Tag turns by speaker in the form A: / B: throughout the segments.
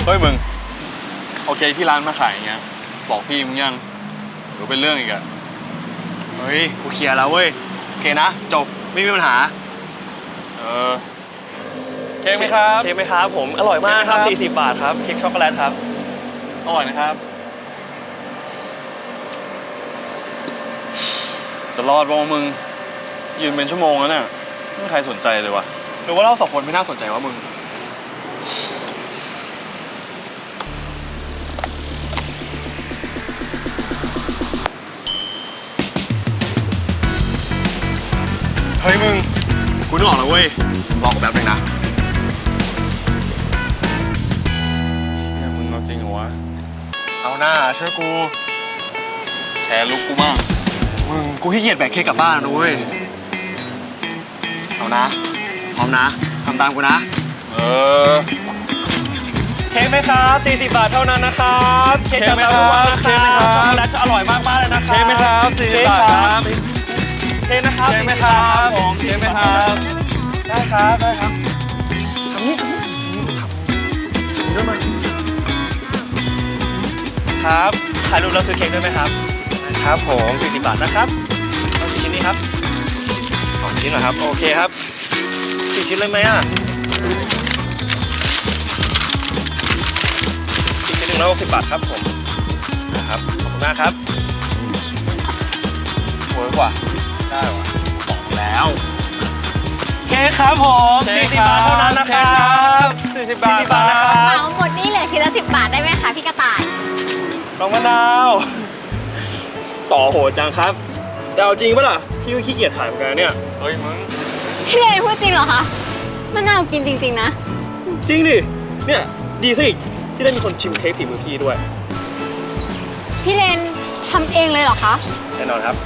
A: เฮ้ยมึงโอเคที่ร้านมาขายอย่างเงี้ยบอกพี่มึงยังหรือเป็นเรื่องอีกอะ
B: เฮ้ยกูเคลียร์แล้วเว้ยโอเคนะจบไม่มีปัญหา
A: เค้กไหมครับ
B: เค้กไหมครับผมอร่อยมากครับ40 บาทครับเค้กช็อกโกแลตครับ
A: อร่อยนะครับจะรอดบ้างมึงยืนเป็นชั่วโมงแล้วเนี่ยไม่มีใครสนใจเลยวะ
B: หรือว่าเราสองคนไม่น่าสนใจวะมึงเฮ้ยมึงกูนึกออกแล้วเว้ยรอกูแป๊บนึงนะ
A: เนี่ยมึงเอาจริงเหรอวะ
B: เอาหน้าเชื่อกู
A: แคร์ลุกกูมาก
B: มึงกูขี้เกียจแบกเค้กกลับบ้านนะเว้ยเอานะพร้อมนะทำตามกูนะเค้กไหมครับ40 บาทเท่านั้นนะครับเค้กจากเตาถ่านนะครับช็อกโกแลตอร่อยมากๆเลยนะครับ
A: เค้กไหมครับ40 บาทครับ
B: เค้กนะครับ
A: เค้กไหมครับผมเค้กไหมครับ
B: ได้ครับได้ครับทำนี่เยอะมากครับถ่ายรูปแล้วซื้อเค้กด้วยไหมครับครับผม40 บาทนะครับเอากี่ชิ้นนี้ครับ2 ชิ้นเหรอครับโอเคครับ4 ชิ้นเลยไหมอ่ะอีกชิ้น160 บาทครับผมนะครับขอบคุณมากครับเวิร์กว่ะได้ว่ะบอกแล้วเค้กครับผม40 บาทเท่านั้นนะครับ40 บาทนะครับ
C: เอาหมดนี่เหลือชิ้นละ10 บาทได้ไหมคะพี่กระต่าย
B: น้องมะนาวต่อโหดจังครับแต่เอาจริงปะล่ะพี่ก็ขี้เกียจขายเหมือนกันเนี่ย
A: เฮ้ยมึง
C: พี่เลนพูดจริงเหรอคะมะนาวกินจริงๆนะ
B: จริงดิเนี่ยดีซะอีกที่ได้มีคนชิมเค้กฝีมือพี่ด้วย
C: พี่เลนทำเองเลยเหรอคะ
B: แน่นอนครับ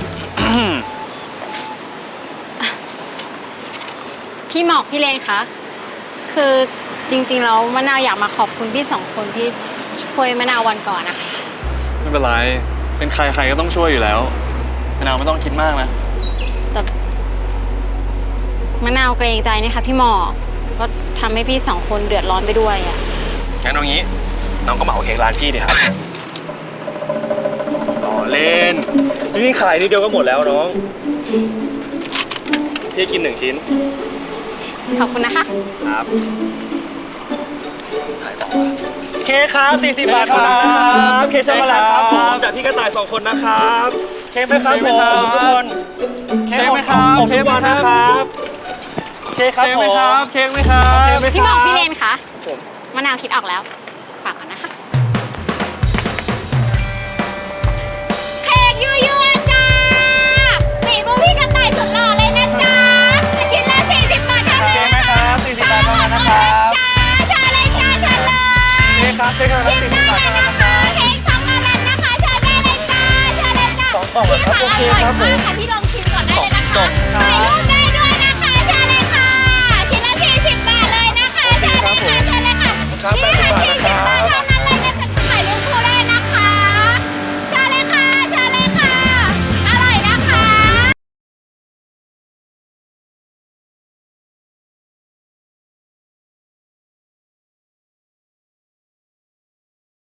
C: พี่หมอกพี่เลนคะคือจริงๆแล้วมะนาวอยากมาขอบคุณพี่2 คนที่ช่วยมะนาววันก่อนนะคะ
A: ไม่เป็นไรเป็นใครก็ต้องช่วยอยู่แล้วมะนาวไม่ต้องคิดมากนะ
C: แต่มะนาวเกรงใจนะคะพี่หมอกก็ทำให้พี่2 คนเดือดร้อนไปด้วยอ่ะ
B: งั้นเอางี้น้องก็เหมาเค้กร้านพี่ดิครับต่อเล่นนี่ขายนิดเดียวก็หมดแล้วน้องพี่กิน1 ชิ้น
C: ขอบคุณนะคะ
B: ครับขายต่อเค้กครับ40 บาทเท่านั้นนะครับเค้กช็อกโกแลตครับผมจากพี่กระต่าย2 คนนะครับเค้กไหมครับผมทุกคน
A: เค้กไหมครับ
B: เค้กมานะครับเค้กครับผม
A: เค้กไหมครับ
C: พี่หมอกพี่เลนคะมะนาวคิดออกแล้วฝากก่อนนะคะเค้กยั่วๆจ้าฝีมือพี่กระต่ายสุดหล่อเลยนะจ๊ะชิ้นละ40 บาทเท่านั้นนะคะ
B: 40 บาทเท่านั้นนะครับ
C: เชิญเลยจ้าเชิญเลย
B: เค้กครับเค้กครับ40 บาทเท่านั้นนะครับ
C: เค้กช็อกโกแลตนะคะเชิญได้เลยจ้าเชิญเลยจ้า
B: 2 กล่องครับโอเคครับผม
C: ค่ะพี่ลอง